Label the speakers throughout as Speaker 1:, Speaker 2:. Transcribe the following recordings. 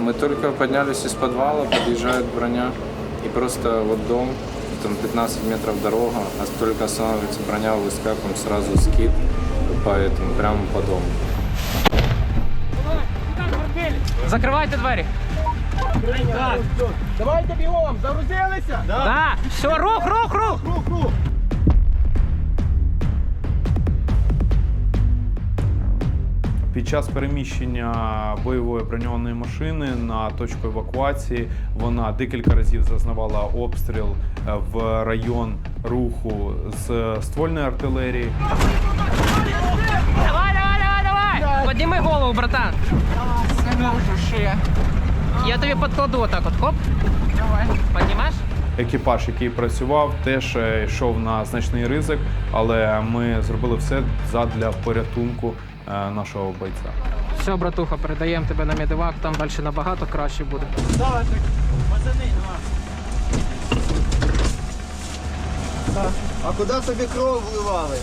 Speaker 1: мы только поднялись из подвала, подъезжает броня, и просто вот дом, там 15 метров дорога, а только останавливается броня, выскакиваем, сразу скид по этому, прямо по дому.
Speaker 2: Закривайте двері.
Speaker 3: Так. Давайте бігом, загрузилися?
Speaker 2: Да. Все, рух.
Speaker 3: Рух.
Speaker 4: Під час переміщення бойової броньованої машини на точку евакуації вона декілька разів зазнавала обстріл в район руху з ствольної артилерії.
Speaker 2: Давай. Підніми голову, братан. Не можу ще. Я тобі підкладу отак от, хоп. Давай. Піднімаєш?
Speaker 4: Екіпаж, який працював, теж йшов на значний ризик, але ми зробили все задля порятунку нашого бойця.
Speaker 2: Все, братуха, передаємо тебе на медивак, там далі набагато краще буде.
Speaker 3: Давай, пацани, давай.
Speaker 5: А куди тобі кров вливали?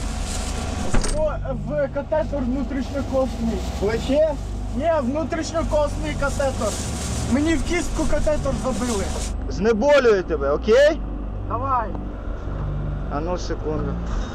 Speaker 3: В катетер внутрішньокосний.
Speaker 5: Плече?
Speaker 3: Ні, внутрішньокосний катетер. Мені в кістку катетер забили.
Speaker 5: Знеболює тебе, окей?
Speaker 3: Давай.
Speaker 5: А ну секунду.